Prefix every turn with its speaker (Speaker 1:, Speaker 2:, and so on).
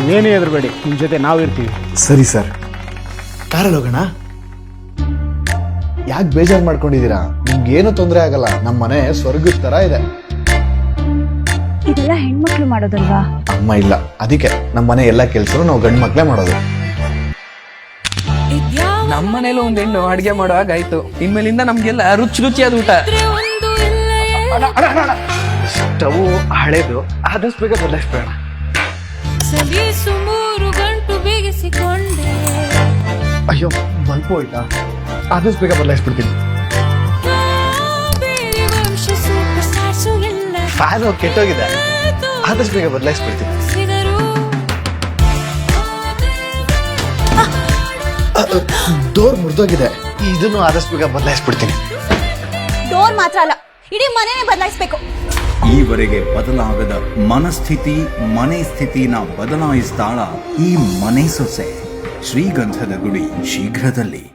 Speaker 1: ನೀವೇನೇ ಹೆದರಬೇಡಿ, ನಿಮ್ಮ ಜೊತೆ ನಾವು ಇರ್ತೀವಿ.
Speaker 2: ಸರಿ ಸರ್, ಕಾರಲ್ಲಿ ಹೋಗೋಣ. ಯಾಕೆ ಬೇಜಾರು ಮಾಡ್ಕೊಂಡಿದ್ದೀರಾ? ನಿಮ್ಗೇನು ತೊಂದರೆ ಆಗಲ್ಲ. ನಮ್ಮ ಮನೆ ಸ್ವರ್ಗದ ತರ ಇದೆ.
Speaker 3: ಇದೆಲ್ಲ ಹೆಣ್ಮಕ್ಳು ಮಾಡೋದಲ್ವಾ?
Speaker 2: ಅಮ್ಮ ಇಲ್ಲ, ಅದಕ್ಕೆ ನಮ್ಮ ಮನೆ ಎಲ್ಲ ಕೆಲಸ ನಾವು ಗಂಡು ಮಕ್ಳೇ ಮಾಡೋದು.
Speaker 4: ನಮ್ಮ ಮನೇಲಿ ಒಂದ್ ಹೆಣ್ಣು ಅಡ್ಗೆ ಮಾಡುವಾಗ ಆಯ್ತು, ಇನ್ಮೇಲಿಂದ ನಮ್ಗೆಲ್ಲ ರುಚಿ ರುಚಿಯಾದ ಊಟ.
Speaker 2: ಸ್ಟವ್ ಹಳೇದು, ಆದಷ್ಟು ಬೇಗ ಬದಲಾಯಿಸ್ಬೇಡ. ಅಯ್ಯೋ, ಬಲ್ಪು ಹೋಯ್ತಾ? ಆದಷ್ಟು ಬೇಗ ಬದಲಾಯಿಸ್ಬಿಡ್ತೀನಿ. ಫ್ಯಾನು ಕೆಟ್ಟೋಗಿದೆ, ಆದಷ್ಟು ಬೇಗ ಬದಲಾಯಿಸ್ಬಿಡ್ತೀನಿ. ಡೋರ್ ಮುರಿದೋಗಿದೆ, ಇದನ್ನು ಆದಷ್ಟು ಬೇಗ ಬದಲಾಯಿಸ್ಬಿಡ್ತೀನಿ.
Speaker 3: ಡೋರ್ ಮಾತ್ರ ಅಲ್ಲ, ಇಡೀ ಮನೆನೇ ಬದಲಾಯಿಸ್ಬೇಕು.
Speaker 5: ಈವರೆಗೆ ಬದಲಾಗದ ಮನಸ್ಥಿತಿ, ಮನೆ ಸ್ಥಿತಿನ ಬದಲಾಯಿಸ್ತಾಳ ಈ ಮನೆ ಸೊಸೆ. ಶ್ರೀಗಂಧದ ಗುಡಿ ಶೀಘ್ರದಲ್ಲಿ.